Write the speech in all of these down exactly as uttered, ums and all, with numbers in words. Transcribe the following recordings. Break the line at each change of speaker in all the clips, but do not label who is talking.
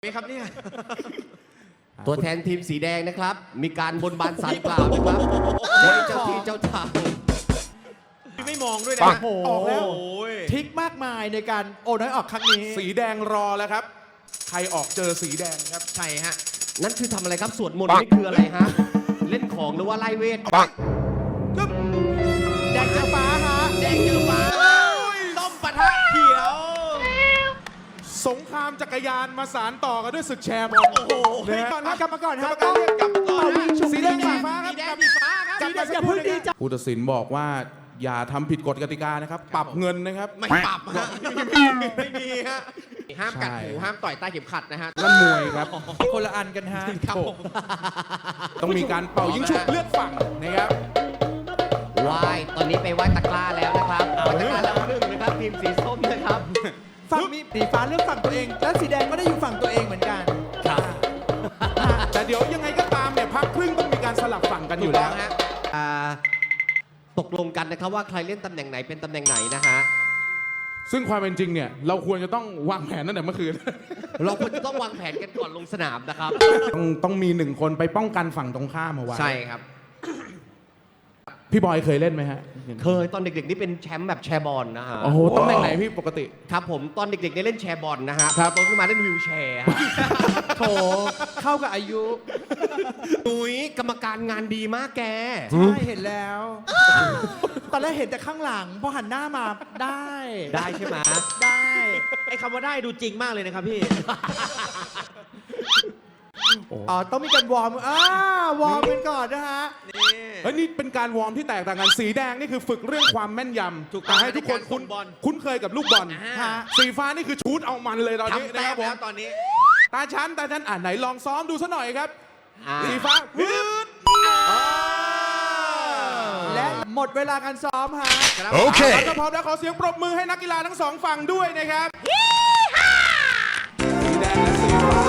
นี่ครับเนี่ย
ตัวแทนทีมสีแดงนะครับ มีการบนบานสารกล่าวนะครับโดยเจ้าที่เจ้าทาง
ไม่มองด้วยนะ
ออกแล้ว
โอ้ย
ทริกมากมายในการโอนน้อยออกครั้งนี้
สีแดงรอแล้วครับ ใครออกเจอสีแดงครับ
ใช่ฮะ
นั่นคือทำอะไรครับสวดมนต์นี่คืออะไรฮะ เล่นของหรือว่าไล่เวท
แดงเจอฟ้าฮะ
แดงเจอฟ้าส้มปะทะเขียว
สงครามจักรยานมาสารต่อกันด้วยศึกแชร์บอล
โอ้โห
นะฮะ
ก่อนฮะกลับมาก่อน
กร
ฮะ
รมการเรียกกลับก่อน
เป่ายิงฉุบ
สีแดงสีฟ้าครับ
สีแดงสีฟ้าครับ
สีแดงอย่าเพิ่งดีใจ
ผู้ตัดสินบอกว่าอย่าทำผิดกฎกติกานะครับ ปรับเงินนะครับ
ไม่ปรับฮะไม่มีไม่มีฮะห้ามกัดหู
ใช่
ห้ามต่อยใต้เข็มขัดนะฮะ
นั่นมวยครับ
คนละอันกันฮะ
ครับผม
ต้องมีการเป่ายิงฉุบเลือกฝั่งนะครับ
วายตอนนี้ไปไหว้ตะกร้าแล้วนะครับไหว้ตะกร้าแล้วหนึ่งนะครับทีมสีส้มนะครับ
ฝั่งมีสีฟ้าเลือกฝั่งตัวเอง และสีแดงก็ได้อยู่ฝั่งตัวเองเหมือนกัน
ครับ
แต่เดี๋ยวยังไงก็ตามเนี่ยพักครึ่งต้องมีการสลับฝั่งกันอยู่แล้ว
ถูกต้องฮะ
อ่าตกลงกันนะครับว่าใครเล่นตำแหน่งไหนเป็นตำแหน่งไหนนะฮะ
ซึ่งความเป็นจริงเนี่ยเราควรจะต้องวางแผนตั้งแต่เมื่อคืน
เราควรจะต้องวางแผนกันก่อนลงสนามนะครับ
ต้องต้องมีหนึ่งคนไปป้องกันฝั่งตรงข้ามเอาไว้
ใช่ครับ
พี่บอยเคยเล่นไหมฮะ
เคยตอนเด็กๆนี่เป็นแชมป์แบบแชร์บอลนะฮะ
โอ้โหตำแหน่งไหนพี่ปกติ
ครับผมตอนเด็กๆได้เล่นแชร์บอลนะฮะ
ครับ
โตขึ้นมาเล่นวิวแชร์ฮะ
โถเข้ากับอายุ
นุ้ยกรรมการงานดีมากแก
ใช่เห็นแล้ว ตอนแรกเห็นแต่ข้างหลัง พอหันหน้ามาได้
ได้ใช่ไหม
ได้
ไอ้คำว่าได้ดูจริงมากเลยนะครับพี่
อ๋อ ต้องมีการวอร์มอ่าวอร์มกันก่อนนะฮะ
เฮ้ยนี่เป็นการวอร์มที่แตกต่างกันสีแดงนี่คือฝึกเรื่องความแม่นยำ
ถูกต้อง
ให้ทุกคน
ในการส่
คุ้น
งบอล
คุ้นเคยกับลูกบอล
อ่า
สีฟ้านี่คือชูดเอามันเลยตอนนี้
ทำ
นะ
แต้
ค
ม
รับผ
แล้
ม
วตอนนี้
ตาชั้นตาชั้นอ่ะไหนลองซ้อมดูซะหน่อยครับ
อ่า
สีฟ้าฮึด
และหมดเวลาการซ้อมฮะ
โอเคถ้าพร้อมแล้วขอเสียงปรบมือให้นักกีฬาทั้งสองฝั่งด้วยนะครับสีแดงและสีฟ้า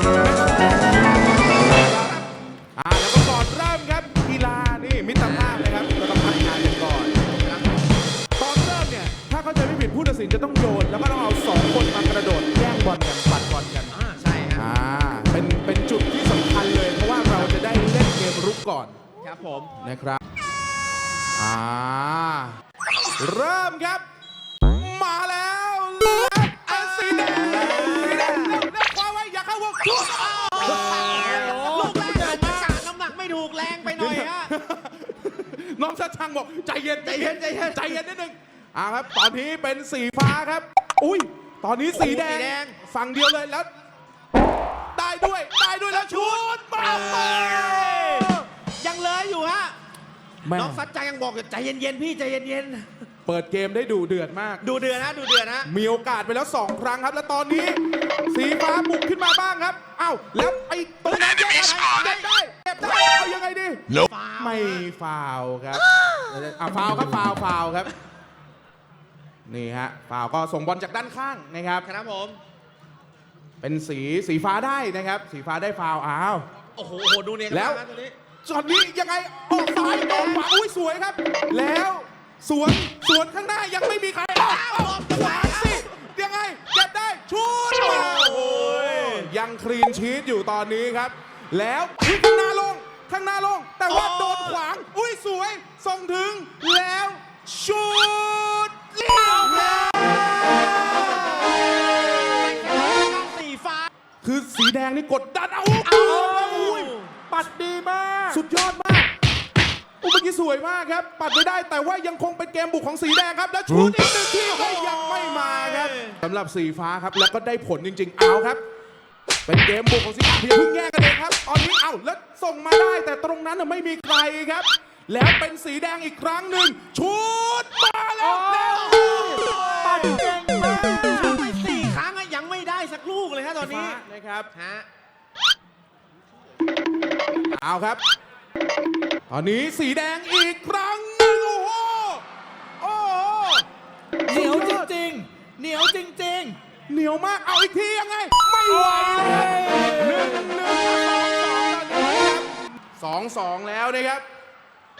อ่าแล้วก็ก่อนเริ่มครับกีฬานี่มิตรภาพเลยครับเราต้องพัฒนากันก่อนตอนเริ่มเนี่ยถ้าเข้าใจไม่ผิดผู้ตัดสินจะต้องโยนแล้วก็ต้องเอาสองคนมากระโดดแย่งบอลกันปัดบอลกัน
อ่าใช่ฮะ
อ่าเป็นเป็นจุดที่สำคัญเลย เพราะว่าเราจะได้เล่นเกมรุกก่อน
ครับผม
นะครับอ่าเริ่มครับ มาแล้วอันสีแดงสีแดงเร็วเร็วคว้าไว้อย่าเข้าวงชุด
ลูกแรกอาจจะกาดน้ำหนักไม่ถูกแรงไปหน่อยฮะ
น้องชัดช่างบอกใจเย็น
ใจเย็นใจเย็น
ใจเย็นนิดนึงอ่าครับตอนนี้เป็นสีฟ้าครับ อุ้ยตอนนี้สีแดง
สีแดง
ฝั่งเดียวเลยแล้ว ได้ด้วยได้ด้วยแล้วชุดมาไป
ยังเลยอยู่ฮะ
แม่
น้องสัจจายังบอกอยู่ใจเย็นๆพี่ใจเย็น
เปิดเกมได้ดูเดือดมาก
ๆดูเดือดนะดูเดือดนะ
มีโอกาสไปแล้วสองครั้งครับ แล้วตอนนี้ สีฟ้าบุกขึ้นมาบ้างครับ เอ้าแล้วไอ้ตรงนั้นแยกอะไรเก็บได้เก็บได้เอายังไงดีไม่ฟาวครับอ่ะฟาวครับฟาวฟาวครับ นี่ฮะฟาวก็ส่งบอลจากด้านข้างนะครับ
ครับผม
เป็นสีสีฟ้าได้นะครับ สีฟ้าได้ฟาวอ้าว
โอ้โหโอ้โหดูเนี่ย
แล้ว
นะตัวนี้
ช็อตนี้ยังไงออกซ้ายออกขวาอุ้ยสวยครับ แล้วสวนสวนข้างหน้ายังไม่มีใครออกออกขวาสิยังไงเก็บได้ชุดมาโอ้ยยังคลีนชีตอยู่ตอนนี้ครับ แล้วข้างหน้าลงข้างหน้าลง แต่ว่าโดนขวางอุ้ยสวยส่งถึงแล้วชุดเลี้ยวแล้ว
สีฟ้า
คือสีแดงนี่กดดันเอา
เอา
อุ้ยปัดดีมาก สุดยอดมากอุ้ยเมื่อกี้สวยมากครับ ปัดไม่ได้แต่ว่ายังคงเป็นเกมบุกของสีแดงครับ แล้วชุดอีกหนึ่งที่ก็ยังไม่มาครับสำหรับสีฟ้าครับแล้วก็ได้ผลจริง ๆ เอาครับ เป็นเกมบุกของสีฟ้าเพียงเพิ่งแย่งกันเองครับตอนนี้เอาแล้วส่งมาได้แต่ตรงนั้นน่ะไม่มีใครครับ แล้วเป็นสีแดงอีกครั้งหนึ่งชุดมาแล้วแล้ว
ปัดเก่งมาก
ไปสี่ครั้งอะยังไม่ได้สักลูกเลยฮะตอนนี้
ฟ้านะครับ
ฮะ
เอาครับ ตอนนี้สีแดงอีกครั้งหนึ่งโอ้โห โอ้โห
เหนียวจริงๆ เหนียวจริง
เหนียวมาก เอาอีกทียังไง ไม่ไหวเลยหนึ่งหนึ่งสองสองแล้วนะครับ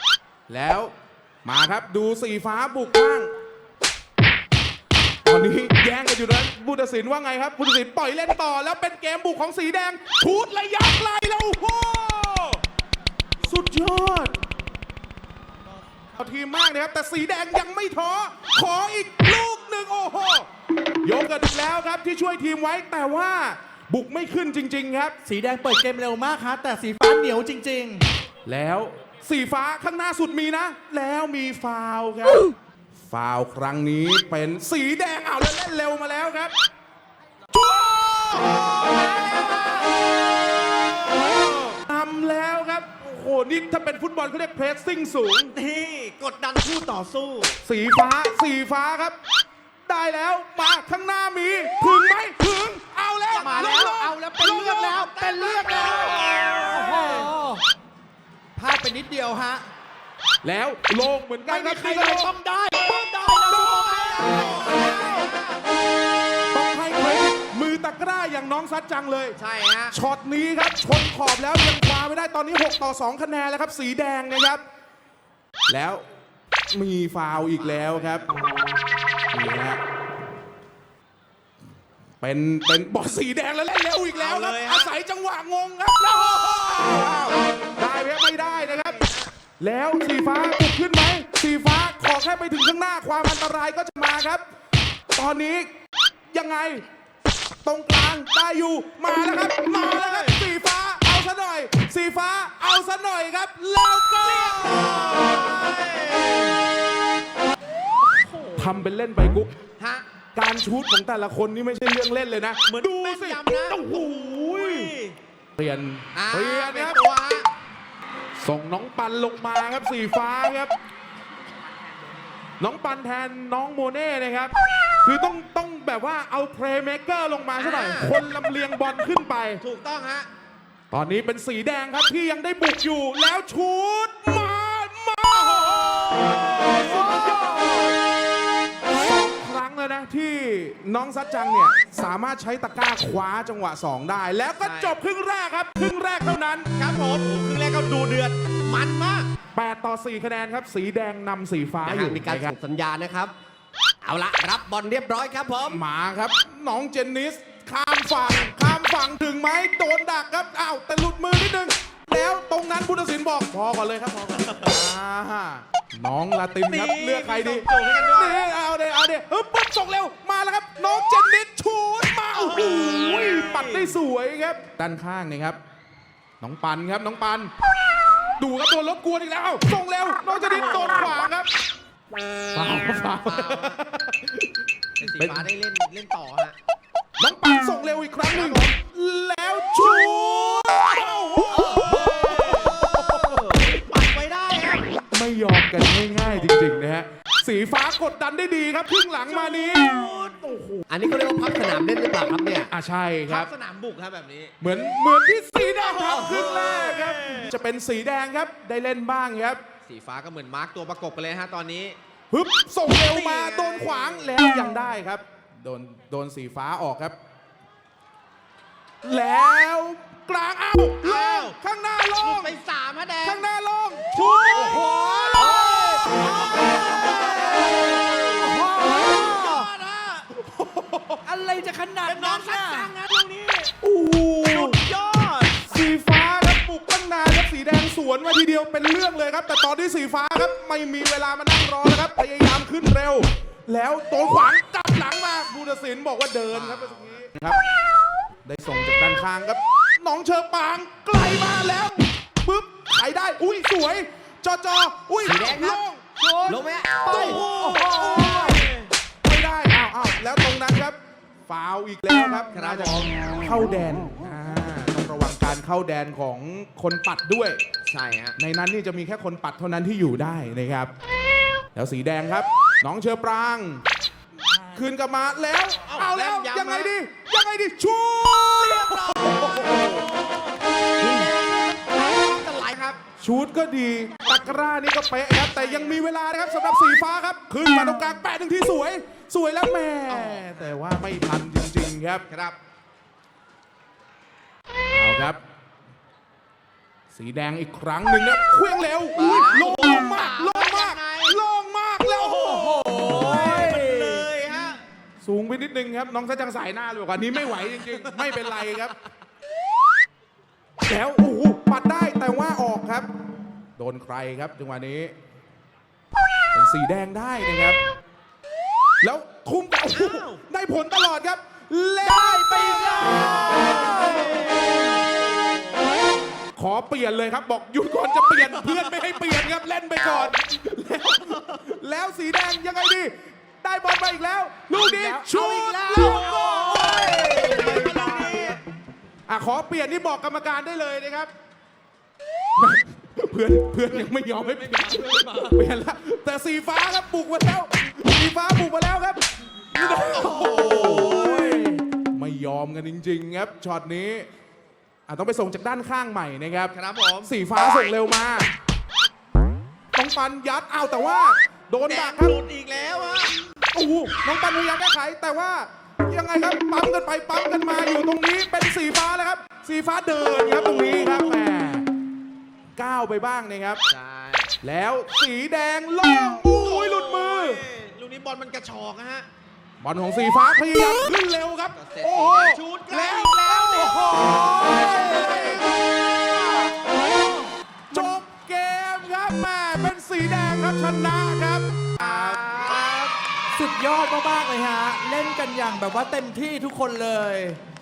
แล้วมาครับดูสีฟ้าบุกบ้าง ตอนนี้แย่งกันอยู่นั้นผู้ตัดสินว่าไงครับผู้ตัดสินปล่อยเล่นต่อแล้วเป็นเกมบุกของสีแดงชูดระยะไกลแล้วโอ้โหสุดยอดเอาทีมมากนะครับแต่สีแดงยังไม่ท้อขออีกลูกหนึ่งโอ้โหยกกันอีกแล้วครับที่ช่วยทีมไว้แต่ว่าบุกไม่ขึ้นจริงๆครับ
สีแดงเปิดเกมเร็วมากฮะแต่สีฟ้าเหนียวจริง
แล้วสีฟ้าข้างหน้าสุดมีนะ แล้วมีฟาวล์ครับฟาวล์ครั้งนี้เป็นสีแดงเอาแล้วเล่นเร็วมาแล้วครับชัวทำแล้วครับโอ้โหนี่ถ้าเป็นฟุตบอลเขาเรียกเพรสซิ่งสูง
นี่กดดันคู่ต่อสู้
สีฟ้าสีฟ้าครับ ได้แล้วมาข้างหน้ามีถึงไหมถึงเอาแล้ว
มาแล้วเอาแล้วเป็นเลือดแล้วเป็นเลือดแล้ว
ๆ โอ้โหพลาดไปนิดเดียวฮะ
แล้วโลงเหมือนกัน
ไม่
ค
มี
รับ
ใครเลยต้องได้ต้องได้นะ
ต้องให้เครดิตมือตะกร้าอย่างน้องซัดจังเลย
ใช่ฮะ
ช็อตนี้ครับชนขอบแล้วยังคว้าไม่ได้ตอนนี้หกต่อสองคะแนนแล้วครับสีแดงนะครับ แล้วมีฟาวล์อีกแล้วครับนี่ฮะเป็นเป็นบอลสีแดงแล้วเล่นเร็วอีกแล้วครับ
เอาเลยฮะ
อาศัยจังหวะงงครับแล้วได้ไหมไม่ได้นะครับ แล้วสีฟ้าบุกขึ้นไหมสีฟ้าขอแค่ไปถึงข้างหน้าความอันตรายก็จะมาครับ ตอนนี้ยังไง ตรงกลางได้อยู่มาแล้วครับมาแล้วครับสีฟ้าเอาซะหน่อย สีฟ้าเอาซะหน่อยครับแล้วก็ทำเป็นเล่นไปกุ๊ก
ฮะ
การชูตของแต่ละคนนี่ไม่ใช่เรื่องเล่นเลยนะ
เหมือน
ดู
แม่น
สิ
ยำนะ
โอ้โหเปลี่ยน
อ่า
เปลี่ยน
เป็น
ครับ
ตัวฮะ
ส่งน้องปันลงมาครับสีฟ้าครับ น้องปันแทนน้องโมเน่นะครับ คือต้องต้องแบบว่าเอาเพลย์เม k เกอร์ลงมาซะหน่อย
อ่า
คนลำเลียงบอลขึ้นไป
ถูกต้องฮะ
ตอนนี้เป็นสีแดงครับที่ยังได้บุกอยู่แล้วชูดมามาสุดยอดสองครั้งแล้วนะที่น้องซัดจังเนี่ยสามารถใช้ตะกร้าคว้าจังหวะสองได้ แล้วก็
ใช่
จบครึ่งแรกครับครึ่งแรกเท่านั้น
ครับผมครึ่งแรกก็ดูเดือดมันมาก
แปดต่อสี่คะแนนครับสีแดงนำสีฟ้า
นะ
อ
ฮะ
ยู่
มีการ
นะครั
ส่
บ
งสัญญาณนะครับ เอาละรับบอลเรียบร้อยครับผม
หมาครับน้องเจนนิสข้ามฝั่งข้ามฝั่งถึงไหมโดนดักครับอ้าวแต่หลุดมือนิดนึงแล้วตรงนั้นผู้ตัดสินบอกพอก่อนเลยครับพอก่อนอ่าน้องลาตินครับ
นี่
เลือกใครดี
ส่งให้กันด้วย
นี่เอาเดเอาเดฮึบปุ๊บส่งเร็วมาแล้วครับ น้องเจนนิสชูดมาโอ้โหปัดได้สวยครับด้านข้างนี่ครับ น้องปันครับน้องปัน ดูครับโดนรบกวนอีกแล้วเอ้าส่งเร็วน้องเจนนิสโดนขวางครับฟาวฟาว
เป็นสีฟ้าได้เล่นเล่นต่อฮะ
น้องปันส่งเร็วอีกครั้งหนึ่งแล้วชูด
ปัดไว้ได้ครับ
ไม่ยอมกันง่ายๆจริงๆนะฮะสีฟ้ากดดันได้ดีครับครึ่งหลังมานี้โอ้โห
อันนี้เขาเรียกว่าพับสนามเล่นหรือเปล่าครับเนี่ย
อ่ะใช่ค
ค
รั
รับ บสนามบุกครับแบบนี้
เหมือนเหมือนที่สีแดงทำครึ่งแรกครับ จะเป็นสีแดงครับได้เล่นบ้างครับ
สีฟ้าก็เหมือนมาร์กตัวประกบกันเลยฮะตอนนี้
ฮึบส่งเร็วมาโดนขวางแล้วยังได้ครับโดนโดนสีฟ้าออกครับ แล้วกลางเอ้าโล่งข้างหน้าโล่
ลูก
ง
ไปสามฮะแดง
ข้างหน้าโล่งชูดโอ้โห
ยอดฮะ
อะไรจะขนาด
เป็นน้อ
นั้
ง
น
สัก
น่ะ
จังฮะลูกนี้
โอ้โห
สุดยอด
สีฟ้าครับปลุกตั้งนานครับสีแดงสวนมาทีเดียวเป็นเรื่องเลยครับ แต่ตอนที่สีฟ้าครับไม่มีเวลามานั่งรอแล้วครับพยายามขึ้นเร็ว แล้วโดนขวางกลับหลังมาผู้ตัดสินบอกว่าเดินครับเมื่อกี้ครับ ได้ส่งจากด้านข้างครับน้องเชอปางไกลมาแล้วปึ๊บไขได้อุ้ยสวยจอจออุ้ย
สีแดงครับ
โล่ง
ลงไหม
ไปโอ้โหไม่ได้อ้าวอ้าวแล้วตรงนั้นครับฟาวล์อีกแล้วครับ
ครับ
น่าจะ
ผม
เข้าแดนอ่าต้องระวังการเข้าแดนของคนปัดด้วย
ใช่ฮะ
ในนั้นนี่จะมีแค่คนปัดเท่านั้นที่อยู่ได้นะครับ แล้วสีแดงครับ น้องเชอปราง คืนกลับมาแล้ว เอาแล้ว
แม่นยำ
ยังไง
นะ
ดี ยังไงดีชูด
จะไหลครับ
ชูดก็ดีตะกร้านี่ก็เป๊ะครับ แต่ยังมีเวลานะครับสำหรับสีฟ้าครับ ขึ้นมาตรงกลางแปะหนึ่งที่สวย สวยแล้วแม่แต่ว่าไม่ทันจริงๆครับ
ครับ
เอาครับ สีแดงอีกครั้งหนึ่งนะเคลื่องเร็วอุ้ยโล่งมากโล่งมากโล่งมากแล้วโอ้โห
เลยฮะ
สสูงไปนิดนึงครับ น้องซะจังสายหน้าเลยบอกว่านี้ไม่ไหวจริงๆ ไม่เป็นไรครับ แล้วโอ้โหปัดได้แต่ว่าออกครับ โดนใครครับจังหวะนี้ เป็นสีแดงได้นะครับ แล้วทุ่มไปโอ้โหได้ผลตลอดครับเล่นไปเลยขอเปลี่ยนเลยครับ บอกหยุดก่อนจะเปลี่ยนเพื่อนไม่ให้เปลี่ยนครับเล่นไปก่อน แล้วแล้วสีแดงยังไงดี ได้บอลไปอีกแล้ว ลูกนี้ชูดแล้วโอ้ยอ่ะขอเปลี่ยนนี่บอกกรรมการได้เลยนะครับ เพื่อนเพื่อนยังไม่ยอมให้เปลี่ยนเปลี่ยนแล้วแต่สีฟ้าครับบุกมาแล้วสีฟ้าบุกมาแล้วครับโอ้ยไม่ยอมกันจริงๆครับช็อตนี้อ่ะต้องไปส่งจากด้านข้างใหม่นะครับ
ครับผม
สีฟ้าส่งเร็วมาต้องปันยัดเอาแต่ว่าโดน
แด
ดั
ง
กครับ
หลุดอีกแล้วอะ
โอ้โหน้องปันพยายามแก้ไขแต่ว่ายังไงครับปั๊มกันไปปั๊มกันมาอยู่ตรงนี้เป็นสีฟ้าแล้วครับ สีฟ้าเดินครับตรงนี้ครับแหมก้าวไปบ้างนะครับ
ใช่
แล้วสีแดงโล่งอุ้ยหลุดมือ
ลูกนี้บอลมันกระชอกนะฮะ
บอลของสีฟ้าพยายามขึ้นเร็วครับ
เสร็จ
โอ้
สี
โห
แดงชูดใกล้อีกแล้วเนี่ย
โอ้โหจบเกมครับแม่เป็นสีแดงครับชนะครับ
สุดยอดมากๆเลยฮะ เล่นกันอย่างแบบว่าเต็มที่ทุกคนเลย